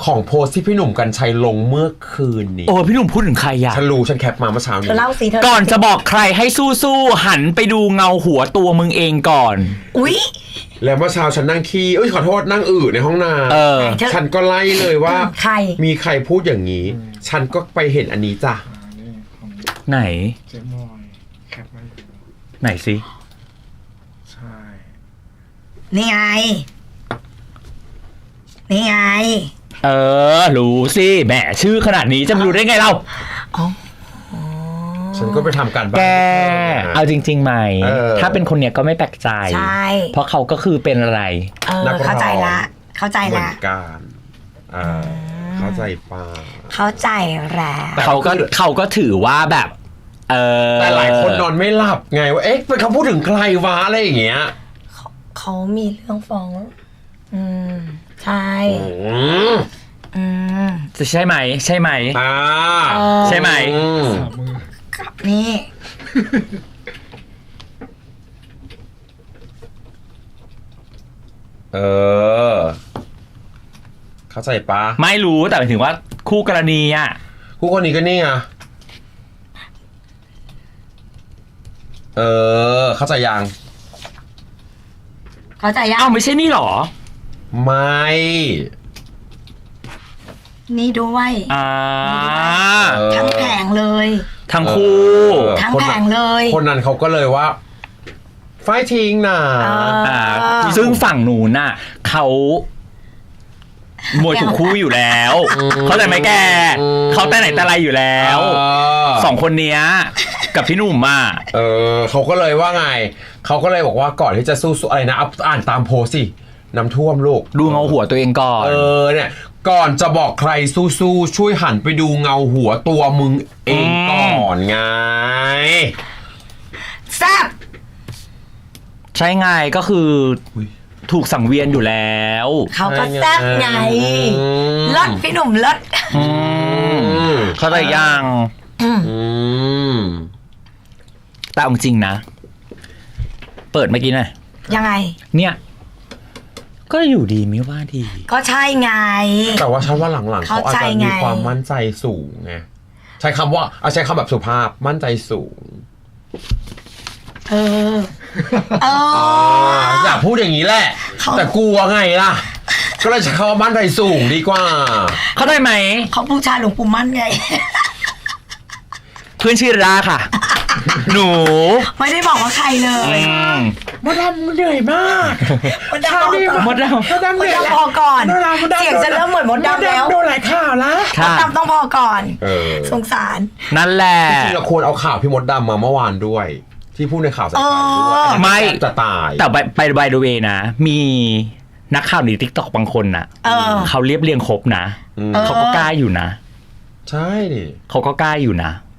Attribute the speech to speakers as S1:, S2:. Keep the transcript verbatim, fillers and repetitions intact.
S1: ของโพสที่พี่หนุ่มกรรชัยลงเมื่อคืนนี้
S2: โอ้พี่หนุ่มพูดถึงใครอะ
S1: ฉันรู้ฉันแคปมาเมื่อเช้านี้
S3: เธอเล่าสิเธอ
S2: ก่อนจะบอกใครให้สู้ๆหันไปดูเงาหัวตัวมึงเองก่อน
S3: อุ๊ย
S1: แล้วเมื่อเช้าฉันนั่งขี้เอ้ยขอโทษนั่งอืดในห้องน้ำฉันก็ไล่เลยว่า
S3: ใคร
S1: มีใครพูดอย่างนี้ฉันก็ไปเห็นอันนี้จ้ะ
S2: ไหน
S4: เจมอยแคปมา
S2: ไหนสิ
S4: ใช่
S3: นี่ไงนี่ไง
S2: เออรู้สิแหมชื่อขนาดนี้จะไม่รู้ได้ไงเรา
S3: อ๋อ
S1: ฉันก็ไปทำการบ้าน
S2: แกเอาจริงๆไหมถ้าเป็นคนเนี้ยก็ไม่แปลกใจ
S3: ใช่
S2: เพราะเขาก็คือเป็นอะไร
S3: เออเข้าใจละเข้าใจละ
S1: เหมือนกันอ่าเข้าใจป่ะ
S3: เข้าใจแล้ว
S2: เขาก็เขาก็ถือว่าแบบเออ
S1: แต่หลายคนนอนไม่หลับไงว่าเอ๊ะเป็นเขาพูดถึงใครวะอะไรอย่างเงี้ย
S3: เขามีเรื่องฟ้องอืมใช่อืม
S2: จะใช่ไหมใช่ไหม
S1: อ่า
S2: ใช่ไหม
S3: นี่
S1: เออเข้าใจปะ
S2: ไม่รู้แต่หมายถึงว่าคู่กรณีอ่ะ
S1: คู่กรณีก็นี่ไงเออเข้าใจยัง
S3: เข้าใจยัง
S2: อ้าวไม่ใช่นี่หรอ
S1: ไม่
S3: นี่ด้วย
S2: อ่า
S3: ทั้งแผงเลย
S2: ทั้งคู่
S3: ทั้งแผงเลย
S1: คนนั้นเขาก็เลยว่าไฟทิ้งนะ
S2: ซึ่งฝั่งหนูน่ะเขามวยถูกคู่อยู่แล้วเขาใจไหมแกเขาแต่ไหนแต่ไรอยู่แล้วสองคนเนี้ยกับพี่หนุ่มอ่ะ
S1: เออเขาก็เลยว่าไงเขาก็เลยบอกว่าก่อนที่จะสู้อะไรนะอ่านตามโพสสิน้ำท่วมลูก
S2: ดูเงาหัวตัวเองก่อน
S1: เออเนี่ยก่อนจะบอกใครสู้ๆช่วยหันไปดูเงาหัวตัวมึงเองก่อนไง
S3: แซ่บ
S2: ใช่ไงก็คือถูกสังเวียนอยู่แล้ว
S3: เขาก็แซ่บไงเลิศพี่หนุ่มเลิศ
S2: เขาได้ยังแต่จริงนะเปิดเมื่อกี้น่ะ
S3: ยังไง
S2: เนี่ยก็อยู่ดีไม่ว่าดี
S3: ก็ใช่ไง
S1: แต่ว่าฉันว่าหลังๆเขาอาจจะมีความมั่นใจสูงไงใช้คำว่าเอาใช้คำแบบสุภาพมั่นใจสูง
S3: เออเออ
S1: อยากพูดอย่างนี้แหละแต่กลัวไงล่ะก็เลยใช้คำว่ามั่นใจสูงดีกว่า
S2: เขาได้ไหม
S3: เขาบูชาหลวงปู่มั่นไง
S2: เพื่อนชื่อราค่ะหนู
S3: ไม่ได้บอกว่าใครเลย
S1: มดดำเหนื่อยมาก
S3: มดดำ
S2: มดดำ
S3: มดดำเหนื่อยพอก่อนเสียงจะเริ่มเหมือนมดดำแล้ว
S1: โดนหลายข่าวแล้ว
S3: มดดำต้องพอก่อนสงสาร
S2: นั่นแหละ
S1: จริงๆเราควรเอาข่าวพี่มดดำมาเมื่อวานด้วยที่พูดในข่าวสายการด้วย
S2: ไม่
S1: จะตาย
S2: แต่ไปไปไบเดเวนะมีนักข่าวใน TikTok บางคนน่ะเขาเรียบเรียงครบนะเขาก็กล้าอยู่นะ
S1: ใช่ดิ
S2: เขาก็กล้าอยู่นะ